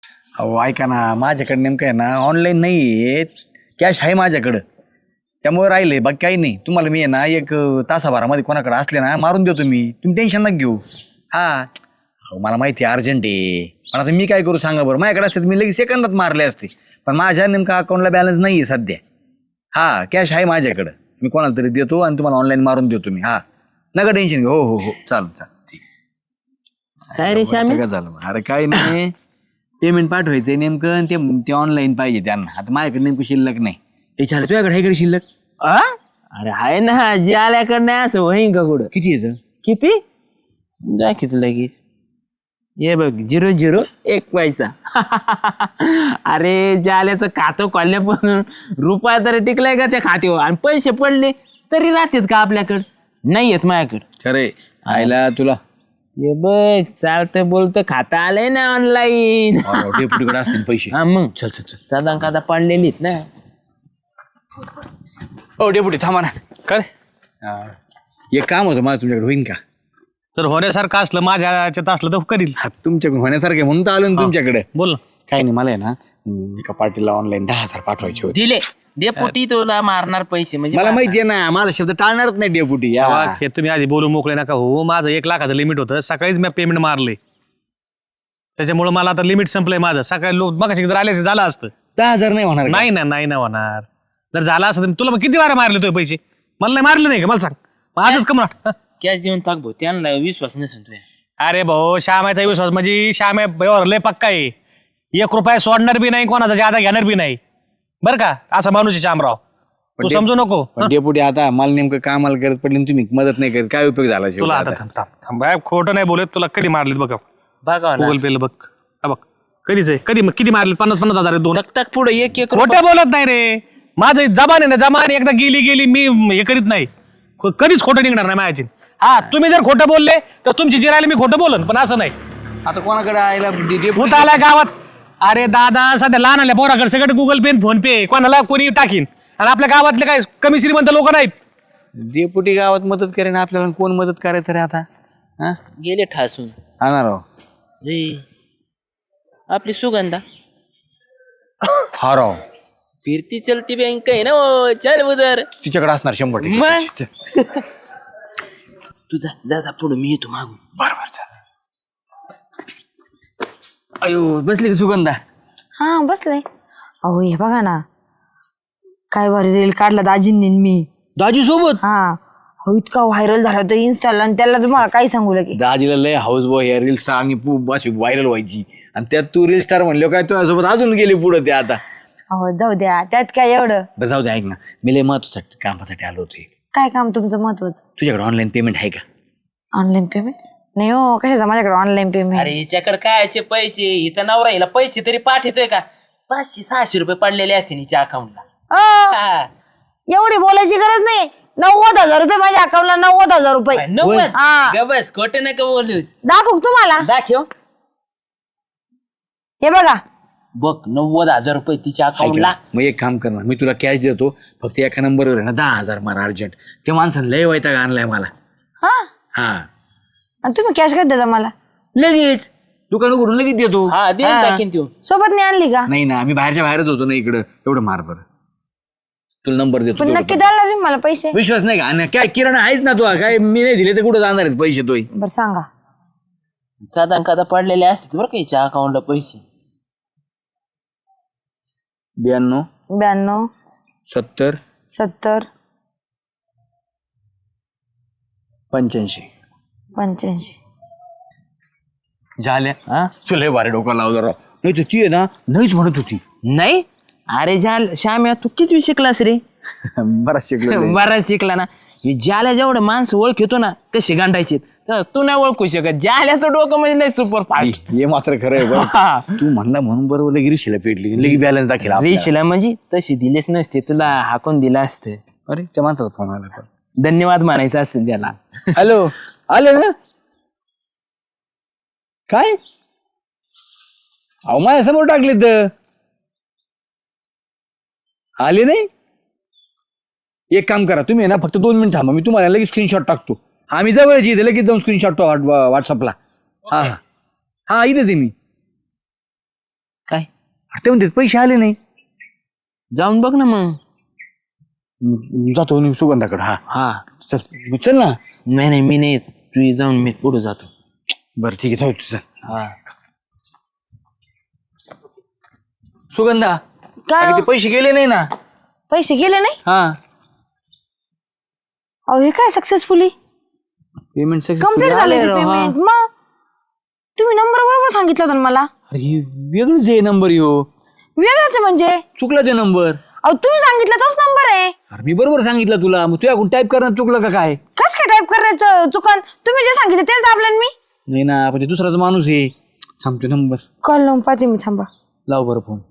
अहो ऐका ना, माझ्याकडे नेमकं आहे ना ऑनलाईन नाही आहे, कॅश आहे माझ्याकडं, त्यामुळे राहिले बाकी काही नाही. तुम्हाला मी आहे ना एक तासाभरामध्ये कोणाकडे असले ना मारून देतो मी, तुम्ही टेन्शन नका घेऊ. हा अहो मला माहिती आहे अर्जंट आहे, पण आता मी काय करू सांगा बरं. माझ्याकडे असते मी लगेच सेकंदात मारले असते, पण माझ्या नेमका अकाउंटला बॅलन्स नाही आहे सध्या. हा कॅश आहे माझ्याकडं, मी कोणाला तरी देतो आणि तुम्हाला ऑनलाईन मारून देतो मी. हा नका टेन्शन घेऊ. हो हो हो चालेल ठीक. काय रे श्यामी? काय झालं? अरे काय नाही, पेमेंट पाठवायचंय नेमकं आणि ते ऑनलाईन पाहिजे त्यांना. आता माझ्याकडे नेमकं शिल्लक नाही. हे चालेल, तुझ्याकडे आहे का शिल्लक? अरे आहे ना, जे आल्याकडे नाही असं होईन का कुठं? किती येतं? किती जा किती लगेच ये बघ 001 पैसा. अरे जाल्याचं खातं खोलल्यापासून रुपया तरी टिकलाय का त्या खात्यावर, आणि पैसे पडले तरी राहतात का आपल्याकडं? नाही येत माझ्याकडं. खरे आयला तुला ये बघ चालतं बोलतं खाता आलंय ना ऑनलाईन. डेपुटीकडे असतील पैसे. हा मग चल चल चल. साधा खाता पडलेलीत ना. हो डेपुटी थांबा ना. काय एक काम होतं माझं तुमच्याकडे, होईन का? जर होण्यासारखं असलं माझ्या याच्यात असलं तर करील. हा तुमच्याकडून होण्यासारखं म्हणून तर आलो ना तुमच्याकडे. बोल ना. काही नाही, मला आहे ना एका पार्टीला ऑनलाईन 10,000 पाठवायचे होते. दिले डेपुटी तुला मारणार पैसे म्हणजे मला माहिती आहे ना, मला शब्द टाळणारच नाही डेपुटी. तेव्हा हे तुम्ही आधी बोलू मोकळे नका हो. माझं 1 लाखाचं लिमिट होतं, सकाळीच मी पेमेंट मारले, त्याच्यामुळे मला आता लिमिट संपलंय माझं. सकाळी लोक मग जर आले झालं असतं. 10,000 नाही होणार का? नाही ना होणार. जर झालं असतं तर तुला मग किती वारा मारले तो पैसे? मला नाही मारले नाही का? मला सांग. मग आजच कमरा. कॅश देऊन टाक भाऊ, त्यांना विश्वास नसेल तुझ्या. अरे भाऊ श्यामाचा विश्वास म्हणजे श्याम लय पक्का आहे. 1 रुपया सोडणार बी नाही, कोणाचा जादा घेणार बी नाही, बरं का? असं माणूस आहे श्यामराव, तू समजू नको. पण डेपुटी आता मला नेमकं कामाला गरज पडली आणि तुम्ही मदत नाही करत, काय उपयोग झाला तुला आता थांब खोटं नाही बोलत. तुला कधी मारलेत बघा बघा ना गुगल पेला बघ. हा बघ कधीच आहे, कधी किती मारले? 50,000 2. तक पुढे एक खोटं बोलत नाही रे. माझं जबान आहे ना, जबान एकदा गेली मी हे करीत नाही. कधीच खोटं निघणार नाही माझ्याची. हा तुम्ही जर खोटं बोलले तर तुमची जिरायला मी खोटं बोलन, पण असं नाही. आता कोणाकडे आयला भूत आलाय गावात. अरे दादा सध्या लहान आल्या पोराकडे सगळं गुगल पे फोन पे कोणाला कोणी टाकीन, आणि आपल्या गावातले काय कमी श्रीमंत लोक नाहीत. डेपुटी गावात मदत करेन आपल्याला, कोण मदत करायचं रे आता? हा गेले ठासून. आणा राव. आपली सुगंधा हा राव, फिरती चलती बँक आहे ना वो, चल उधर. तिच्याकडे असणार 100%. मग? तुझा जा पुढे, मी येतो मागून. बरोबर चालतं. अयो बसली का सुगंधा? हा बसलंय. अहो हे बघा ना, काय भारी रील काढला दाजींनी आणि मी. दाजी सोबत? हा अहो इतका व्हायरल झाला तो इन्स्टाला, आणि त्याला तुम्हाला काय सांगू लगे. दाजीला लय हाऊस बॉय या रील स्टार आणि अशी व्हायरल व्हायची, आणि त्यात तू रील स्टार म्हणलो काय तुझ्यासोबत अजून गेली पुढे ते आता. अहो जाऊ द्या, त्यात काय एवढं. बरं जाऊ दे, ऐक ना, मी लय महत्वासाठी कामासाठी आलो होतो. काय काम तुमचं महत्वाचं? तुझ्याकडे ऑनलाईन पेमेंट आहे का? ऑनलाईन पेमेंट नाही हो, कशाचं माझ्याकडे ऑनलाईन पेमेंट. अरे हिच्याकडे कायचे पैसे, हिचा नवरा हिला पैसे तरी पाठवतोय का? 500-600 रुपये पडलेले असते हिच्या अकाउंटला. एवढी बोलायची गरज नाही. 90,000 रुपये माझ्या अकाउंटला. 90,000 रुपये. 90? हा. ग बस खोटे नका बोलूस. दाखवू का तुम्हाला? दाखव. हे बघा. बघ 90,000 रुपये तिच्या ऐक अकाउंटला. ना, मग एक काम कर ना, मी तुला कॅश देतो, फक्त एका नंबरवर आहे ना 10,000 मारा अर्जंट. ते माणसानं लय वैताग आणलाय मला. हा हा आणि तुम्ही कॅश कधी देता मला? लगेच दुकान उघडून लगेच देतो. हा दे हा. टाकीन तू. सोबत नाही आणली का? नाही ना, आम्ही बाहेरच्या बाहेरच होतो ना इकडं. एवढं मार बरं, तुला नंबर देतो. पण तेवढं नक्की कर. द्याल ना तुम्ही मला पैसे? विश्वास नाही का? आणि काय किराणा आहेच ना, तू काय मी नाही दिले तर कुठं जाणार आहेत पैसे तोय? बरं सांगा. साधा कादा पडलेले असतात बरं का हिच्या अकाउंटला पैसे. 92 92 70 70 85 85. झाल्या. हा तुला भारी डोका लावलं राव. नाही तर ती आहे ना नाहीच म्हणत होती. नाही. अरे श्याम्या तू किती शिकलास रे? बराच शिकलो. बराच शिकला ना. हे ज्याला जेवढं माणसं ओळखतो ना कशी गांडायची, तर तू नाही ओळखू शकत. ज्याल्याचं डोकं म्हणजे नाही सुपर फास्ट. हे मात्र खरं आहे बरं. तू म्हणला म्हणून बरोबर लगी रिशीला पेटली, लगी बॅलन्स दाखला. रेशीला म्हणजे तशी दिलेच नसते, तुला हाकून दिलं असतं. अरे त्या माणसाचा फोन आला पण. धन्यवाद म्हणायचं असेल त्याला. हॅलो, आले ना? काय अहो माझ्या समोर टाकले तर आले नाही. एक काम करा तुम्ही ना, फक्त 2 मिनिट थांबा, मी तुम्हाला लगेच स्क्रीनशॉट टाकतो. आम्ही जवळच इथे, लगेच जाऊन स्क्रीनशॉट व्हॉट्सअपला. हा हा हा इथेच आहे मी. काय ते म्हणते पैसे आले नाही. जाऊन बघ ना मग. जातो मी सुगंधाकडे. हा हा चल ना. नाही मी नाही येत. तू ये जाऊन, मी पुढे जातो. बरं ठीक आहे, जाऊ तुझं. हा सुगंधा काय अगं, हो? ते पैसे गेले नाही ना. पैसे गेले नाही? हा अहो हे काय सक्सेसफुली पेमेंट कम्प्लीट झाले ते पेमेंट. मग तुम्ही नंबर बरोबर सांगितलं होतं ना मला. अरे हे वेगळंच आहे नंबर यो. वेगळंच आहे म्हणजे? चुकला ते नंबर. अहो तुम्ही सांगितलं तोच नंबर आहे. अरे मी बरोबर सांगितलं तुला, मग तुझ्याकडून टाईप करणं चुकलं का काय? कस काय टाईप करायचं चुकन? तुम्ही जे सांगितलं तेच दाबलं मी. नाही ना, पण ते दुसराच माणूस आहे. थांबतो नंबर कॉल लावून पाहते मी, थांबा. लाव बरं फोन.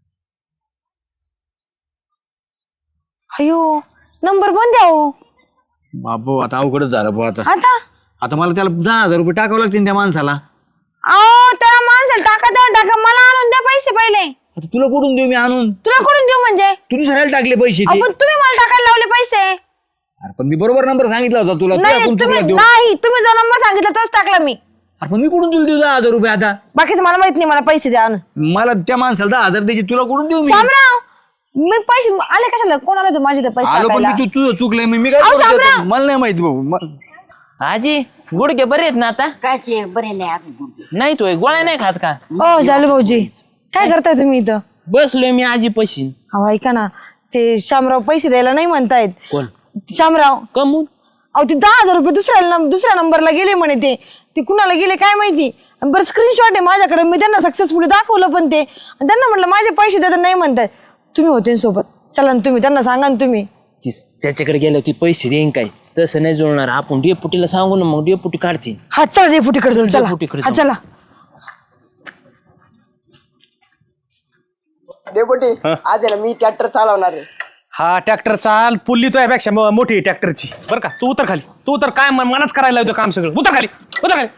अयो नंबर बंद द्या हो. बाबू आता अवघडच झालं भाऊ. आता आता आता मला त्याला 10,000 रुपये टाकावं लागतील त्या माणसाला. अहो त्याला माणसाला टाका, मला आणून द्या पैसे पहिले. आता तुला कुठून देऊ मी आणून? तुला कुठून देऊ म्हणजे? तू दुसऱ्याला टाकले पैसे ते. अहो पण तुम्ही मला टाकायला लावले पैसे. अरे पण मी बरोबर नंबर सांगितला होता तुला. नाही तुला तुम्ही देऊ? नाही, तुम्ही जो नंबर सांगितला तोच टाकला मी. अरे पण मी कुठून तुला देऊ 10,000 रुपये आता? बाकीचं मला माहित नाही, मला पैसे द्या आणून. मला त्या माणसाला 10,000 द्यायचे, तुला कुठून देऊ मी? शामराव मी पैसे आले कशाला? कोण आलं होतं माझे ते पैसे आलो पण टाकायला? मी तुझं चुकलंय. मी काय अहो, करू शामराव! त्याचं? मला नाही माहिती भाऊ. आजी गुडघे बरे आहेत ना आता? काय बरे नाही अजून. नाही तू गोळ्या नाही खात का? हो झालं भाऊजी. काय करताय तुम्ही इथं? बसलोय मी आजी पशी. अहो ऐका ना, ते शामराव पैसे द्यायला नाही म्हणतायत. कोण? शामराव. कमून? अहो ते 10,000 रुपये दुसऱ्या नंबरला गेले म्हणे. ते कुणाला गेले काय माहिती. आणि बरं स्क्रीनशॉट आहे माझ्याकडे, मी त्यांना सक्सेसफुली दाखवलं पण ते. आणि त्यांना म्हटलं माझे पैसे देतात, नाही म्हणताय. तुम्ही होते ना सोबत, चला ना तुम्ही त्यांना सांगा ना तुम्ही. त्याच्याकडे गेलो ती पैसे देईन काय? तसं नाही जुळणार. आपण डेपुटीला सांगू ना, मग डेपुटी काढतील. हा चला डेपुटीकडे जाऊ, चला. डेपुटीकडे हा जाऊ. चला. डेपुटी आज आहे ना मी ट्रॅक्टर चालवणार आहे. हा ट्रॅक्टर चाल पुल्ली तो यापेक्षा मोठी आहे ट्रॅक्टरची. बरं का, तू उतर खाली. तू उतर. काय मलाच करायला होतं काम सगळं. उतर खाली, उतर खाली.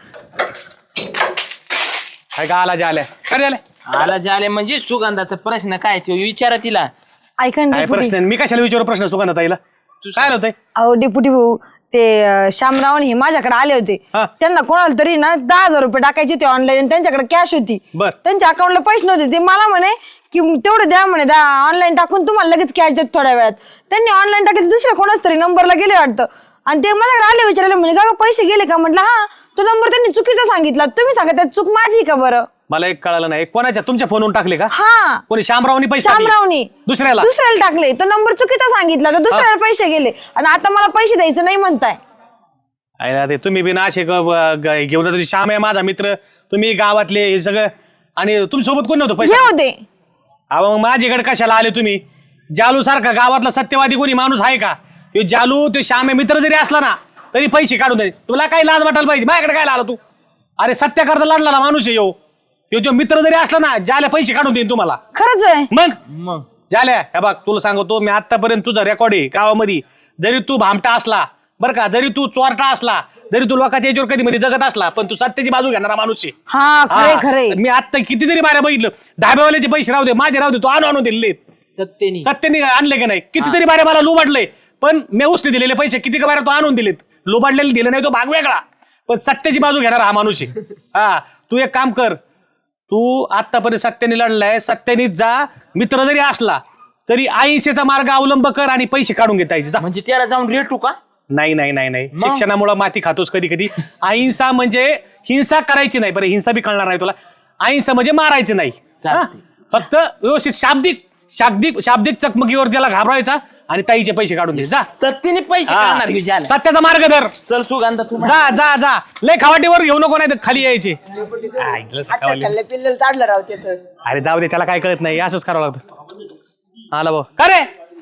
काय का आला आल्या काय झालं? आला झाले म्हणजे सुगंधाचा प्रश्न काय ते विचारा तिला. ऐका ना काय डेपुटी. प्रश्न आहे? मी कशाला विचारू प्रश्न सुगंधा ताईला? काय होतंय? अहो डेपुटी भाऊ, ते शामराव हे माझ्याकडे आले होते. हा. त्यांना कोणाला तरी ना 10,000 रुपये टाकायचे होते ऑनलाईन. त्यांच्याकडे कॅश होती. बर. त्यांच्या अकाउंटला पैसे नव्हते. ते मला म्हणे की तेवढं द्या म्हणे, ऑनलाईन टाकून तुम्हाला लगेच कॅश देत थोड्या वेळात. त्यांनी ऑनलाईन टाकले, दुसऱ्या कोणाच तरी नंबरला गेले वाटतं. आणि ते माझ्याकडे आले, विचारले म्हणे का पैसे गेले का? म्हटलं हा. तो नंबर त्यांनी चुकीचा सांगितला. तुम्ही सांगा त्यात चूक माझी का बरं? मला एक कळालं नाही. कोणाच्या? तुमच्या फोनवरून टाकले का? हा कोणी शामरावनी पैसे टाकले? शामरावनी दुसऱ्याला? दुसऱ्याला टाकले. तो नंबर चुकीचा सांगितला, तर दुसऱ्याला पैसे गेले. आणि आता मला पैसे द्यायचं नाही म्हणताय. आहे ते तुम्ही बिना असे घेऊन जातो. श्याम आहे माझा मित्र, तुम्ही गावातले हे सगळं. आणि तुमच्या सोबत कोण नव्हतं हे पैसे? होते. अहो मग माझ्याकडे कशाला आले तुम्ही? जालू सारखा गावातला सत्यवादी कोणी माणूस आहे का? तो जालू, तो श्याम आहे मित्र जरी असला ना तरी पैसे काढून दे. तुला काही लाज वाटायला पाहिजे. माझ्याकडे काय आला तू? अरे सत्य करता लढला माणूस आहे यो. जो मित्र जरी असला ना, ज्याला पैसे काढून देईन तुम्हाला. खरंच आहे. मग झाल्या हे बघ, तुला सांगतो मी आतापर्यंत तुझा रेकॉर्ड आहे गावामध्ये. जरी तू भामटा असला बरं का, जरी तू चोरटा असला, जरी तू लोकांच्या याच्यावर कधी मध्ये जगत असला, पण तू सत्याची बाजू घेणारा माणूस आहे. हा खरे खरे. मी आता कितीतरी बाऱ्या बघितलं. धाब्यावाल्याचे पैसे राहू दे, माझे राहू दे, तू आणून दिले. सत्तेनी सत्याने आणले की नाही? कितीतरी बाऱ्या मला लुबाडले, पण मी उसने दिलेले पैसे किती का बाऱ्या तो आणून दिलेत. लुबाडलेले दिले नाही तो भाग वेगळा, पण सत्याची बाजू घेणारा हा माणूस आहे. हा तू एक काम कर, तू आतापर्यंत सत्याने लढलाय, सत्याने जा. मित्र जरी असला तरी अहिंसेचा मार्ग अवलंब कर आणि पैसे काढून घेता येईल. म्हणजे त्याला जाऊन रेटू का? नाही नाही नाही नाही, शिक्षणामुळे माती खातोस कधी कधी. अहिंसा म्हणजे हिंसा करायची नाही. बरं हिंसा बी कळणार नाही तुला. अहिंसा म्हणजे मारायची नाही. चालतंय. फक्त व्यवस्थित शाब्दिक चकमकीवर त्याला घाबरायचा आणि ताईचे पैसे काढून दे. जा सत्तेने पैसे काढणार की झालं? सत्याचा मार्ग धर. चल सुगंधा तू जा जा जा. लय खावाटीवर घेऊ नको, नाही तर खाली यायचे. आता खाल्लं पिल्लं चाडलं राव त्याचं. अरे जाऊ दे, त्याला काय कळत नाही. असंच करावं लागतं. आला भाऊ का रे?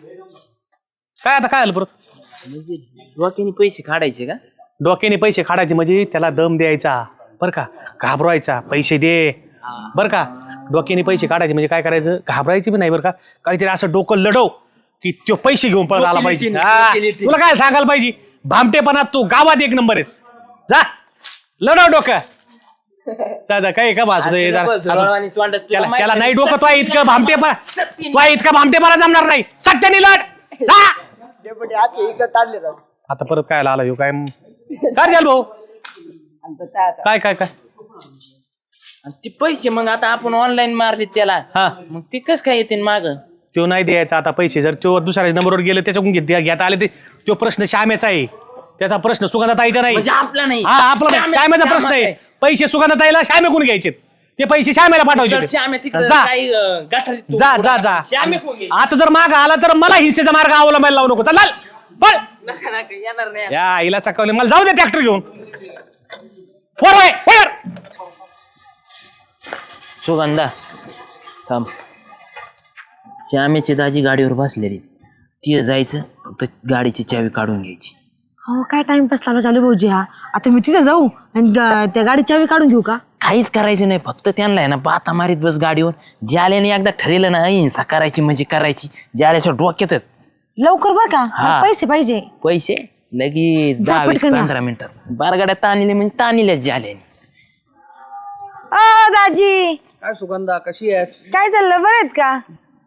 काय आता काय आलं परत? म्हणजे डोक्याने पैसे काढायचे का? डोक्याने पैसे काढायचे म्हणजे त्याला दम द्यायचा बरं का, घाबरायचा. पैसे दे बरं का. डोक्याने पैसे काढायचे म्हणजे काय करायचं? घाबरायचे बी नाही बरं का. काहीतरी असं डोकं लढव की तो पैसे घेऊन पळत आला पाहिजे. तुला काय सांगायला पाहिजे? भामटेपणात तू गावात एक नंबर आहेस. जा लढव डोकं. दादा काय का भासू दे त्याला नाही डोकं. तो इतकं भामटेपणा जमणार नाही. सत्याने लढ. जा. डेपुटी आता इकडं चाडले राव. आता परत काय आला ह्यो? काय काय झालं भाऊ? आणि बसा आता. काय काय काय आणि ते पैसे मग आता आपण ऑनलाईन मारले त्याला हा मग ते कस काय येते माग तो नाही द्यायचा आता पैसे. जर तो दुसऱ्या नंबरवर गेले त्याच्याकडून घेता आले ते तो प्रश्न श्यामेचा आहे. त्याचा प्रश्न सुगंधाताईचा नाही. म्हणजे आपला नाही. हा आपला नाही. श्यामेचा प्रश्न आहे. पैसे सुगंधाताईला श्यामेकडून घ्यायचे. ते पैसे श्यामेला पाठवायचे. जा जा जा. आता जर माग आला तर मला हिंसेचा मार्ग अवलंबायला लावू नको. चल बळ येणार नाही. या आईला चकवले. मला जाऊ दे ट्रॅक्टर घेऊन. वर वळ, वर. सुगंधा थांब. श्यामेची दाजी गाडीवर बसलेली ती जायचं फक्त गाडीची चावी काढून घ्यायची. हो काय टाइमपास लावला चालू भाऊजी हा. आता मी तिथे जाऊ आणि त्या गाडी चावी काढून घेऊ का? काहीच करायचं नाही फक्त त्यांना आहे ना बाता मारीत बस गाडीवर. ज्याल्याने एकदा ठरलेलं ना हिंसा करायची म्हणजे करायची. ज्याल्याच्या डोक्यातच लवकर बर का हा. मला पैसे पाहिजे. पैसे लगेच 10-15 मिनिटात बारगाड्या ताणिले म्हणजे ताणिल्याच ज्याल्याने. दाजी काय सुगंधा कशी आहेस? काय चाललं बरं आहेत का?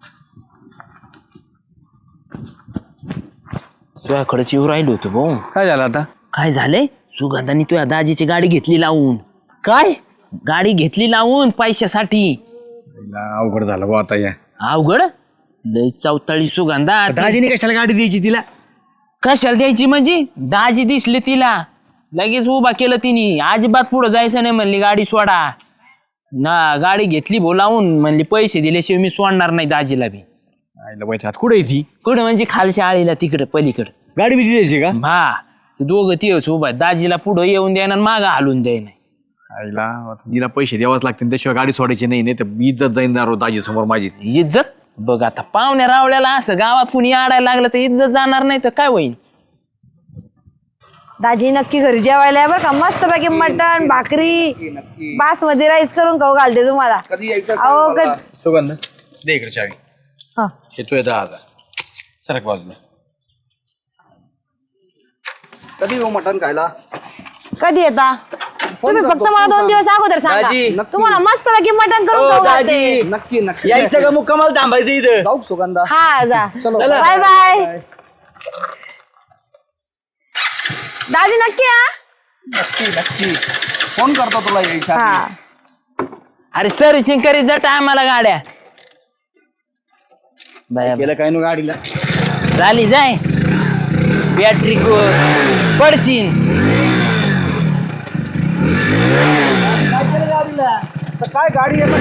तुझ्याकडेच येऊ राहिलो होतो भाऊ. काय झालं आता? काय झालंय सुगंधाने तुझ्या दाजीची गाडी घेतली लावून. काय गाडी घेतली लावून पैशासाठी. अवघड झालं बा आता. या अवघड लय चौताळी सुगंधा. दाजीने कशाला गाडी द्यायची तिला? कशाला द्यायची म्हणजे दाजी दिसले तिला लगेच उभा केलं तिने. अजिबात पुढं जायचं नाही म्हणली गाडी सोडा ना. गाडी घेतली बोलावून म्हणली पैसे दिल्याशिवाय मी सोडणार नाही दाजीला बी. आईला बाई हात कुठे ती कुठं म्हणजे खालच्या आळीला तिकडं पलीकडं. गाडी बी द्यायची का? हा ते दोघं तेच उभा आहेत. दाजीला पुढं येऊन द्यायना मागं हालून द्यायना. आईला आता तिला पैसे द्यावाच लागतील त्याशिवाय गाडी सोडायची नाही तर इज्जत जाईन दाजी समोर माझी. इज्जत बघ आता पाहुण्या रावल्याला असं गावात कुणी आडायला लागलं तर इज्जत जाणार नाही तर काय होईल. दाजी नक्की घरी जेवायला या बरं का. मस्त पैकी मटण भाकरी बासमती राईस करून खाऊ घालते तुम्हाला. कधी यायचं अहो सांग मला. सुगंध दे इकडे चावी. हा. येतोय 10,000 सरक बाजूला. कधी येऊ मटण खायला? कधी येता तुम्ही? फक्त मला 2 दिवस अगोदर सांगा. दाजी, तुम्हाला मस्त पैकी मटण करून खाऊ घालते. नक्की नक्की यायचं का मुक्कामाला थांबायचं इथं? जाऊ सुगंधा. हा जा. चलो. Bye bye. दाजी नक्की या. नक्की नक्की फोन करतो तुला यायच्या आधी. हा. अरे सर्व्हिसिंग करीत जा टायमाला गाड्या. बाया गेलं काय नो गाडीला. झाली जाय बॅटरी पडशीन. तर काय गाडी येतं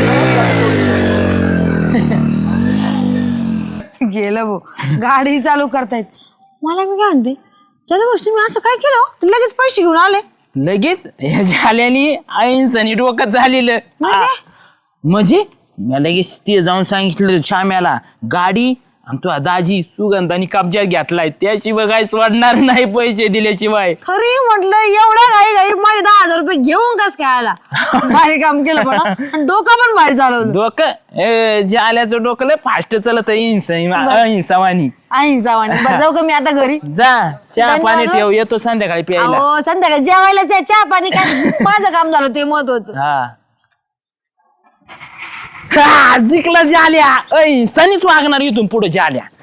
गेलं भाऊ. गाडी चालू करतायत. मला मी काय म्हणते चला गोष्टी मी असं काय केलं हो? लगेच पैसे घेऊन आले लगेच हे झाल्याने अहिंसानी डोकं झालेलं. म्हणजे मी लगेच ते जाऊन सांगितलं श्याम्याला गाडी आणि तो दाजी सुगंधानी कब्जा घेतलाय त्याशिवाय काय सोडणार नाही पैसे दिल्याशिवाय. खरी म्हटलं एवढा घाई घाई माझे 10,000 रुपये घेऊन कस काय आला. भारी काम केलं पण हा. आणि डोकं पण भारी चालवलं. डोकं जे आल्याचं डोकं लय फास्ट चालत अहिंसावानी. जावानी. बरं जाऊ का मी आता घरी? जा चहा धन्यवाद. पाणी ठेव येतो संध्याकाळी प्यायला. हो संध्याकाळी जेवायला चहा पाणी काय माझं काम झालं ते महत्वाचं. हा जिंकला जाल्या अहिंसानीच वागणार इथून पुढे जाल्या.